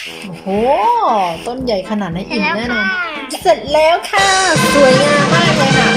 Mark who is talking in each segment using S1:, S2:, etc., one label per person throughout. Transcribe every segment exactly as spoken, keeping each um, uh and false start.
S1: โอ้โหต้นใหญ่ขนาดนั้นอิ่มแน่นอนเสร็จแล้วค่ะสวยงามมากเลยค่ะ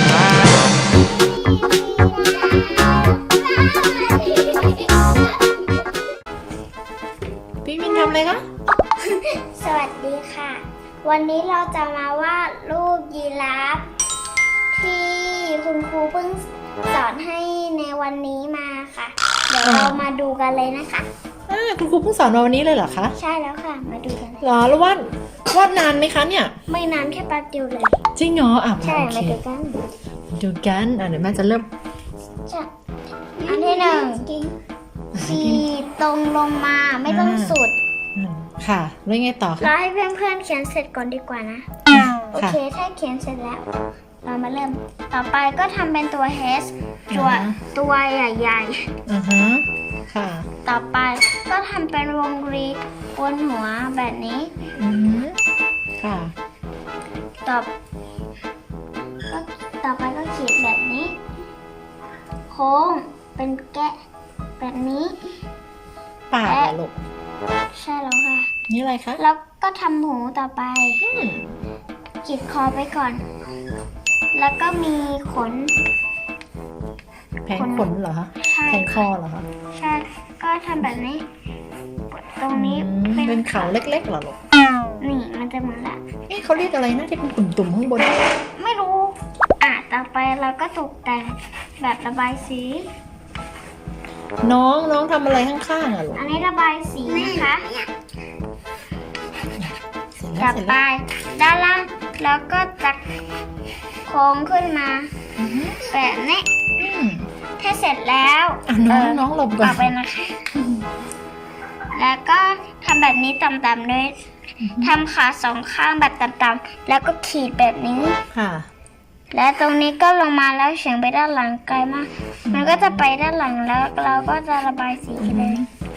S1: พี่มินทำอะไรคะ
S2: สวัสดีค่ะ วันนี้เราจะมาวาดรูปยีราฟที่คุณครูเพิ่งสอนให้ในวันนี้มาค่ะ เดี๋ยวเรามาดูกันเลยนะคะ
S1: คุณครูเพิ่งสอนมาวันนี้เลยเหรอคะ
S2: ใช่แล้วค่ะมาดูกัน
S1: เหรอแล้ววาดวาดนานไหมคะเนี่ย
S2: ไม่นานแค่แป๊บเดียวเลย
S1: จริงเหรออ่ะ
S2: ใช่
S1: โอเค
S2: มาดูกัน
S1: ดูกันอ่ะเดี๋ยวแม่จะเริ่ม
S2: อันที่หนึ่งขีดตรงลงมาไม่ต้องสุด
S1: ค่ะแล้วไงต่อคะ
S2: เราให้เพื่อนๆเขียนเสร็จก่อนดีกว่านะโอเคถ้าเขียนเสร็จแล้วเรามาเริ่มต่อไปก็ทำเป็นตัว H ตัวตัวใหญ่ๆ
S1: อือฮะค่ะ
S2: ต่อไปก็ทำเป็นวงรีบนหัวแบบนี้
S1: อืมค่ะ
S2: ต่อก็ต่อไปก็ขีดแบบนี้โค้งเป็นแกะแบบนี้
S1: ปากเหรอลูก
S2: ใช่แล้วค่ะ
S1: นี่อะไรคะ
S2: แล้วก็ทำหูต่อไปขีดคอไปก่อนแล้วก็มีขน
S1: แผงขนเหรอคะแผงคอเหรอคะ
S2: ใช่ก็ทำแบบนี้ตรงนี้
S1: เป็นเขาเล็กๆเหรอลูก
S2: นี่มันจะเหมือนละ
S1: เอ๊ะเขาเรียกอะไรนะที่เป็นตุ่มๆข้างบน
S2: ไม่รู้อ่ะต่อไปเราก็ตกแต่งแบบระบายสี
S1: น้องน้องทำอะไรข้างๆอ่ะลูก
S2: อันนี้ระบายสีนะคะต่อไปด้านล่างแล้วก็จะโค้งขึ้นมาแบบนี้ถ้าเสร็จแล้ว
S1: น้องน้องหลบก่อน
S2: เอาไปนะคะแล้วก็ทำแบบนี้ต่ำๆด้วยทำขาสองข้างแบบต่ำๆแล้วก็ขีดแบบนี้
S1: ค่ะ
S2: และตรงนี้ก็ลงมาแล้วเฉียงไปด้านหลังไกลมากมันก็จะไปด้านหลังแล้วเราก็จะระบายสีเลย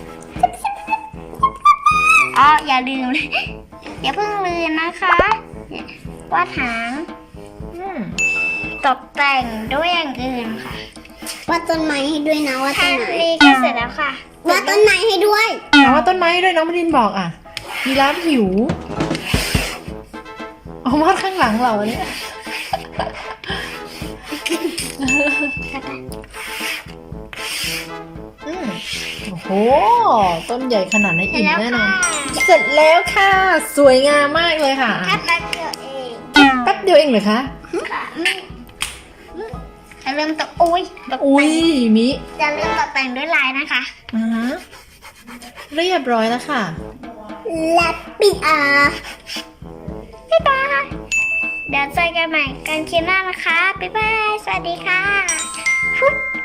S2: อ๋ออย่าลืมเลยอย่าเพิ่งลืมนะคะวาดหางตกแต่งด้วยอย่างอื่นค่ะ
S3: วาดต้นไม้ให้ด้วยนะวาดต้นไม้
S2: ก็เสร็จแล้วค่ะ
S3: วาดต้นไม้ให้ด้วย
S1: เอาวาดต้นไม้ให้ด้วยน้องมรินบอกอ่ะยีราฟหิวเอาวาดข้างหลังเราเนี่ยโอ้โหต้นใหญ่ขนาดนั้นอิ่มแน่นอนเสร็จแล้วค่ะสวยงามมากเลยค่ะ
S2: แค่แป๊บเดียวเอง
S1: แป๊บเดียวเองเหรอคะ
S2: จะเริ่มตกอุ้ย
S1: อุ้ยมิ
S2: จะเริ่มตกแต่งด้วยลายนะคะ
S1: อ่าฮะเรียบร้อยแล้วค่ะ
S3: และปิดอ่ะ
S2: บ๊ายบายเดี๋ยวเจอกันใหม่กันคลิปหน้านะคะบ๊ายบายสวัสดีค่ะ